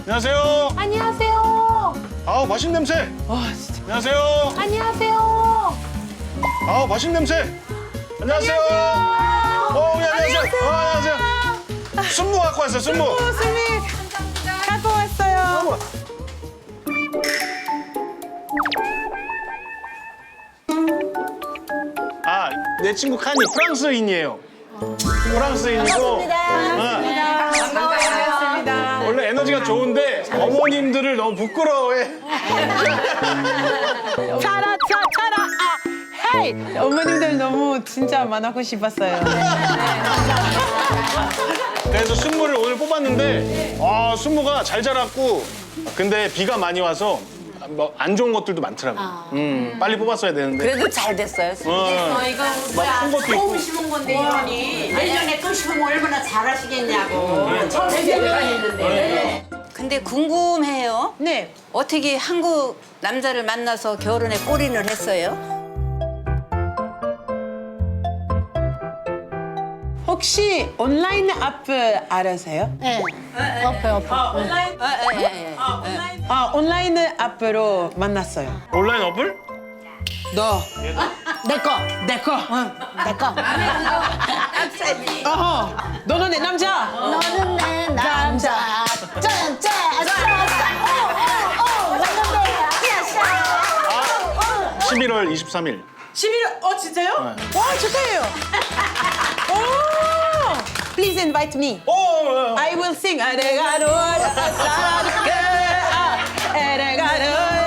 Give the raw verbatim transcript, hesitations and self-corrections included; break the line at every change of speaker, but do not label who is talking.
안녕하세요.
안녕하세요.
아우 맛있는 냄새.
와 진짜.
안녕하세요.
안녕하세요.
아우 맛있는 냄새. 안녕하세요. 어, 예, 안녕하세요. 어, 안녕하세요. 순무 갖고 왔어요. 순무.
수미 갖고 왔어요.
아, 내 친구 칸이 프랑스인이에요. 프랑스인이고.
반갑습니다.
어, 원래 에너지가 좋은데 어머님들을 너무 부끄러워해.
차라 차 차라 아 헤이 어머님들 너무 진짜 만나고 싶었어요.
그래서 순무를 오늘 뽑았는데 아, 순무가 잘 자랐고 근데 비가 많이 와서 뭐 안 좋은 것들도 많더라고. 음, 빨리 뽑았어야 되는데.
그래도 잘 됐어요.
어,
이거
큰 것도 있고.
처음 심은 건데 이번이 내년에 또 심으면 얼마나 잘하시겠냐고. 처음 심었는데.
근데 궁금해요.
네.
어떻게 한국 남자를 만나서 결혼에 골인을 했어요?
혹시 온라인 앱 알아세요?
네. 어퍼 어퍼.
온라인
아, 예, 예, 예.
아 온라인 앱으로 만났어요.
온라인 어플?
너
내 거.
내 거.
내 거.
어허. 너는 내 남자.
너는 내 남자. 짠짠. 오오오. 왔는데.
십일월 이십삼일.
십일월 어 진짜요? 와 축하해요. 오. Please invite me.
오!
I will sing. 아래가로 사랑해. 아래가로